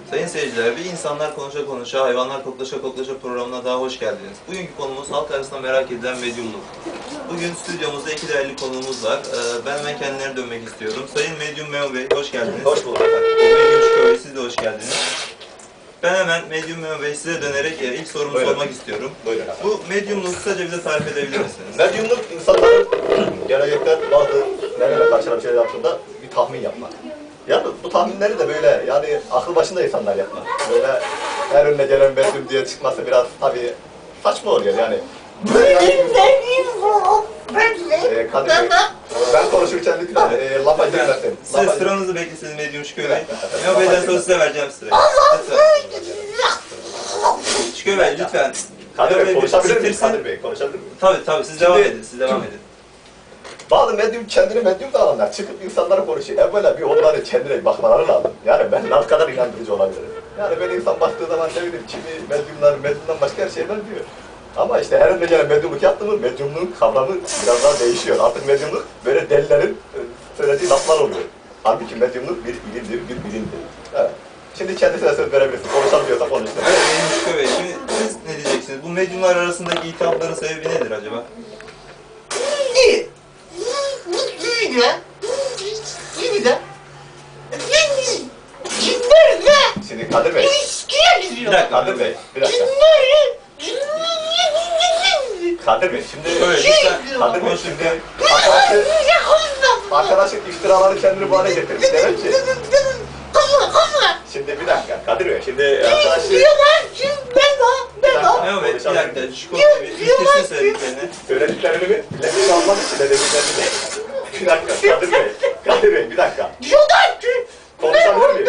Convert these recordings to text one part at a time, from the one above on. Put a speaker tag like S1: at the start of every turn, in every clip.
S1: Sayın seyirciler, bir insanlar konuşa konuşa, hayvanlar koklaşa koklaşa programına daha hoş geldiniz. Bugünkü konumuz halk arasında merak edilen medyumluk. Bugün stüdyomuzda iki değerli konuğumuz var. Ben hemen kendilerine dönmek istiyorum. Sayın Medyum Memo Bey, hoş geldiniz.
S2: Hoş bulduk efendim.
S1: Medyum Şükrü Bey, siz de hoş geldiniz. Ben hemen Medyum Memo Bey size dönerek ilk sorumu
S2: Buyurun.
S1: sormak istiyorum.
S2: Buyurun efendim.
S1: Bu medyumluğu kısaca bize tarif edebilir misiniz?
S2: Medyumluk insanların gelecekte bazı nelerle karşılaşan şeyler yaptığında bir tahmin yapmak. Yani bu tahminleri de böyle yani akıl başında insanlar yapmak. Böyle her önüne gelen medyum diye çıkması biraz tabii saçma oluyor yani. Kadir Bey, ben konuşurken lütfen lafa girmesin.
S1: Siz sıranızı beklesin Medyum Şükrü Bey. Memo Bey'den sonra size vereceğim sırayı. Şükrü Bey lütfen.
S2: Kadir Bey konuşabilir miyim?
S1: bitirsin.
S2: Kadir Bey konuşabilir miyim?
S1: Tabii siz devam edin,
S2: Bazı medyum kendini medyum da alanlar çıkıp insanlara konuşuyor. Evvela bir onları kendine bakmaları lazım. Yani ben ne kadar inandırıcı olabilirim. Yani böyle insan baktığı zaman ne bileyim kimi medyumdan başka her şeyler diyor. Ama işte her önüne gelen medyumluk yaptı mı medyumluğun kavramı biraz daha değişiyor. Artık medyumluk böyle delilerin söylediği laflar oluyor. Halbuki medyumluk bir ilimdir, bir bilimdir. Evet. Şimdi kendisine söz verebilirsin. Konuşabiliyorsa konuşsun.
S1: Evet, benim Şükrü Bey, şimdi siz ne diyeceksiniz? Bu medyumlar arasındaki iltihapların sebebi nedir acaba?
S2: Şimdi Kadir Bey.
S1: Bir dakika.
S2: Kadir Bey, bir dakika. Kadir Bey, şimdi
S1: Şöyle lütfen.
S2: Kadir Bey, şimdi arkadaşın iftiraları kendini bu hale getirmiş demek ki. Şimdi bir dakika, Kadir Bey, şimdi arkadaşı...
S1: Memo Bey, bir dakika. Şu konuyu bir bitirsin söylediklerini.
S2: Söylediklerini mi? Nefes almak için de dediklerini mi? Bir dakika, Kadir Bey, bir dakika. Konuşabilir miyim?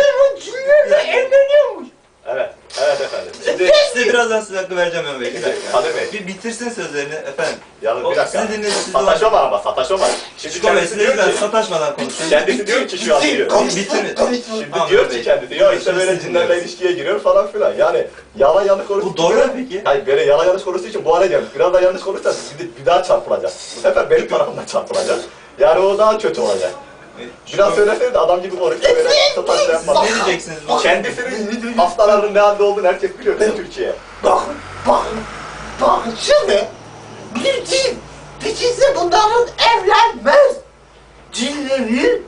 S2: Evet efendim. Şimdi
S1: Size birazdan size hakkı vereceğim Memo Bey. Bir dakika.
S2: Kadir Bey.
S1: Bir bitirsin sözlerini efendim.
S2: yalnız
S1: O,
S2: bir dakika.
S1: sizi dinledim, sizi
S2: Sataşma ama sataşma. Şimdi
S1: Şükrü Bey,
S2: kendisi
S1: size
S2: diyor
S1: lütfen
S2: ki,
S1: sataşmadan konuşun.
S2: kendisi diyor ki şu an diyor.
S1: Bitirin.
S2: Şimdi
S1: Tamam,
S2: diyor
S1: Memo
S2: ki
S1: Bey.
S2: kendisi, ya işte
S1: Şimdi
S2: böyle
S1: siz
S2: cinlerle
S1: dinliyoruz.
S2: ilişkiye giriyor falan filan. Yani yalan yanlış konuştuğu
S1: Bu doğru mu peki?
S2: Hayır böyle yalan yanlış konuştuğu için bu hale gelmiş. Biraz daha yanlış konuşursa bir daha çarpılacak. Bu sefer benim tarafımdan çarpılacak. Yani o daha kötü olacak. Biraz söylesene de adam gibi konuşuyor. Böyle sataşla yapmadan.
S1: Ne diyeceksiniz bu?
S2: Kendisinin hastalarının ne halde olduğunu herkes biliyor değil mi Türkiye?
S3: Bakın şimdi bir cin ikisi bunların evlenmez. Cinlerin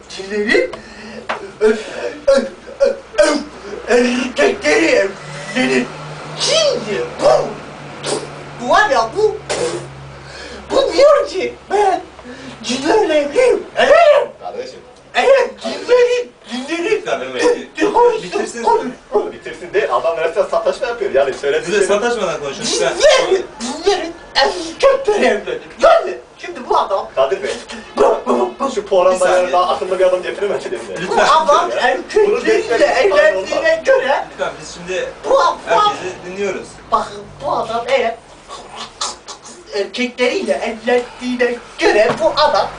S3: erkekleri evlenir. Cindir bu var ya bu diyor ki ben cinlerle evliyim.
S2: Kardeşim.
S3: Evet cinlerin
S1: Lütfen Memo Bey. Bitirsin.
S2: Bitirsin değil, adam resmen sataşma yapıyor. Yani söylediği
S1: Size sataşmadan konuşun lütfen.
S3: Cinlerin erkekleri evlenir. Yani şimdi bu adam
S2: Kadir Bey, şu
S1: Bir
S2: programda
S1: saniye.
S2: yani daha akıllı bir adam getiremedi mi?
S3: bu
S1: Lütfen.
S3: adam erkekleriyle evlendiğine göre
S1: Lütfen biz şimdi
S3: bu adam
S1: herkesi dinliyoruz.
S3: bakın bu adam eğer erkekleriyle evlendiğine göre bu adam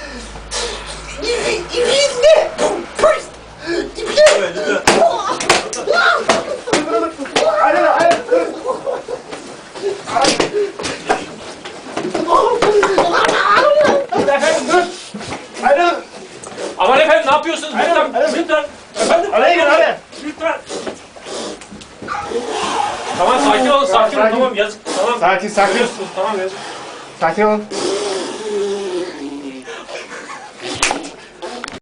S3: İbinde
S1: Evet lütfen.
S4: Efendim dur. Alo. Aman efendim ne yapıyorsunuz? Lütfen. Efendim.
S5: Araya gir araya.
S4: Lütfen. Tamam sakin olun. Tamam yazık. Tamam.
S5: Sakin.
S4: Tamam yazık.
S5: Sakin olun.